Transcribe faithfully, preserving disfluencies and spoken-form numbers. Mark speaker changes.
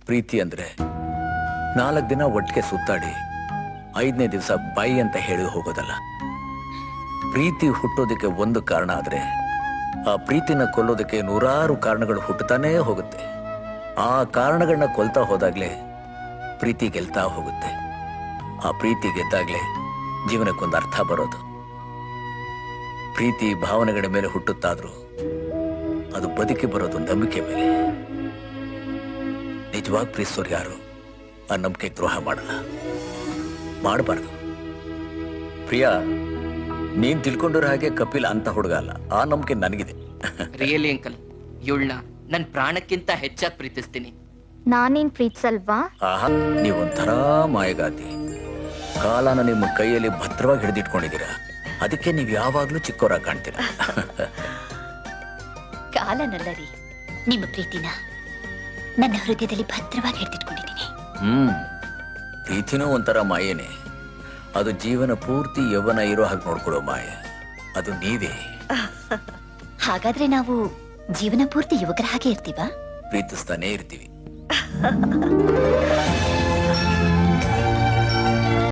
Speaker 1: ಪ್ರೀತಿ ಅಂದ್ರೆ ನಾಲ್ಕು ದಿನ ಒಟ್ಟಿಗೆ ಸುತ್ತಾಡಿ ಐದನೇ ದಿವಸ ಬೈ ಅಂತ ಹೇಳಿ ಹೋಗೋದಲ್ಲ. ಪ್ರೀತಿ ಹುಟ್ಟೋದಕ್ಕೆ ಒಂದು ಕಾರಣ ಆದ್ರೆ ಆ ಪ್ರೀತಿನ ಕೊಲ್ಲೋದಕ್ಕೆ ನೂರಾರು ಕಾರಣಗಳು ಹುಟ್ಟುತ್ತಾನೇ ಹೋಗುತ್ತೆ. ಆ ಕಾರಣಗಳನ್ನ ಕೊಲ್ತಾ ಹೋದಾಗ್ಲೇ ಪ್ರೀತಿ ಗೆಲ್ತಾ ಹೋಗುತ್ತೆ. ಆ ಪ್ರೀತಿ ಗೆದ್ದಾಗ್ಲೇ ಜೀವನಕ್ಕೊಂದು ಅರ್ಥ ಬರೋದು. ಪ್ರೀತಿ ಭಾವನೆಗಳ ಮೇಲೆ ಹುಟ್ಟುತ್ತಾದ್ರೂ ಅದು ಬದುಕಿ ಬರೋದು ನಂಬಿಕೆ ಮೇಲೆ. ನಿಜವಾಗಿ ಪ್ರೀತಿಸೋರು ಯಾರು ಆ ನಂಬಿಕೆ ದ್ರೋಹ ಮಾಡಲ್ಲ, ಮಾಡಬಾರ್ದು. ಪ್ರಿಯಾ, ನೀನ್ ತಿಳ್ಕೊಂಡಿರೋ ಹಾಗೆ ಕಪಿಲ್ ಅಂತ ಹುಡುಗ ಅಲ್ಲ. ಆ ನಂಬಿಕೆ ನನಗಿದೆ.
Speaker 2: ರಿಯಲಿ ಅಂಕಲ್, ಇವಳನ್ನ ನನ್ ಪ್ರಾಣಕ್ಕಿಂತ ಹೆಚ್ಚಾಗಿ ಪ್ರೀತಿಸ್ತೀನಿ.
Speaker 3: ನಾನೇನ್ ಪ್ರೀತಿಸಲ್ವಾ?
Speaker 1: ಆಹಾ, ನೀವೊಂಥರ ಮಾಯಗಾತಿ. ಕಾಲನ ನಿಮ್ಮ ಕೈಯಲ್ಲಿ ಭದ್ರವಾಗಿ ಹಿಡಿದಿಟ್ಕೊಂಡಿದ್ದೀರಾ. ಅದಕ್ಕೆ ನೀವು ಯಾವಾಗ್ಲೂ ಚಿಕ್ಕವರಾಗಿ ಕಾಣ್ತೀರಾ.
Speaker 4: ಕಾಲನಲ್ಲ ರೀ, ನಿಮ್ಮ ಪ್ರೀತಿನ ನನ್ನ ಹೃದಯದಲ್ಲಿ ಭದ್ರವಾಗಿ ಹಿಡಿದಿಟ್ಕೊಂಡಿದ್ದೀನಿ.
Speaker 1: ಹ್ಮ್ ಪ್ರೀತಿನೂ ಒಂಥರ ಮಾಯೇನೆ. ಅದು ಜೀವನ ಪೂರ್ತಿ ಯೌವನ ಇರೋ ಹಾಗೆ ನೋಡ್ಕೊಳ್ಳೋ ಮಾಯೆ. ಅದು ನೀವೇ.
Speaker 4: ಹಾಗಾದ್ರೆ ನಾವು ಜೀವನ ಪೂರ್ತಿ ಯುವಕರ ಹಾಗೆ ಇರ್ತೀವಾ?
Speaker 1: ಪ್ರೀತಿಸ್ತಾನೆ ಇರ್ತೀವಿ.